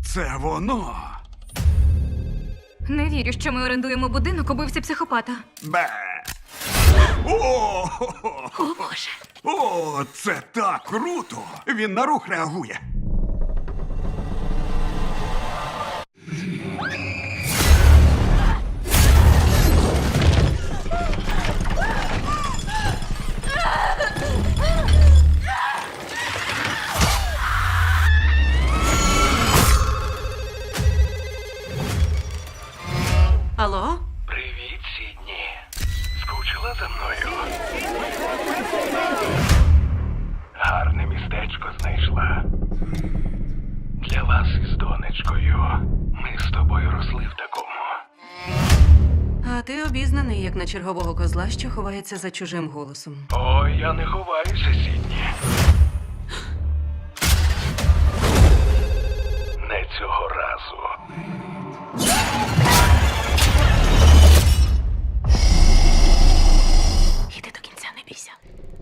Це воно. Не вірю, що ми орендуємо будинок убивці психопата. Бе. О, О, Боже. О, це так круто! Він на рух реагує. Алло? Привіт, Сідні. Скучила за мною? Гарне містечко знайшла. Для вас із донечкою. Ми з тобою росли в такому. А ти обізнаний, як на чергового козла, що ховається за чужим голосом. Ой, я не ховаюся, Сідні. Не цього разу. Іди до кінця, не бійся.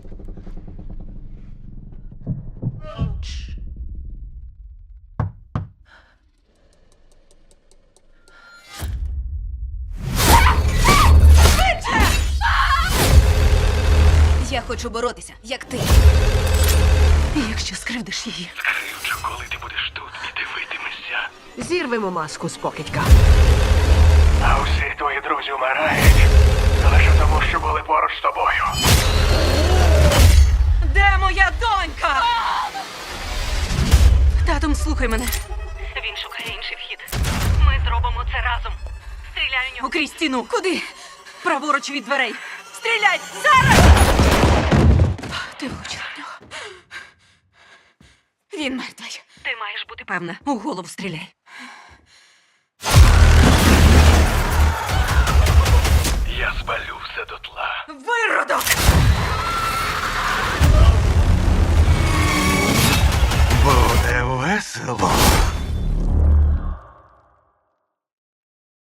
Я хочу боротися, як ти. І якщо скривдиш її, Скривчу, коли ти будеш тут і дивитимешся. зірвемо маску з покидька. А усі твої друзі вмирають. Лише тому, що були поруч з тобою. Де моя донька? Татом, слухай мене. Він шукає інший вхід. Ми зробимо це разом. Стріляй у нього. Окрізь стіну. Куди? Праворуч від дверей. Стріляй! Зараз! Ти влучила в нього. Він мертвий. Ти маєш бути Певна, у голову стріляй. Я спалю все дотла. Виродок! Буде весело.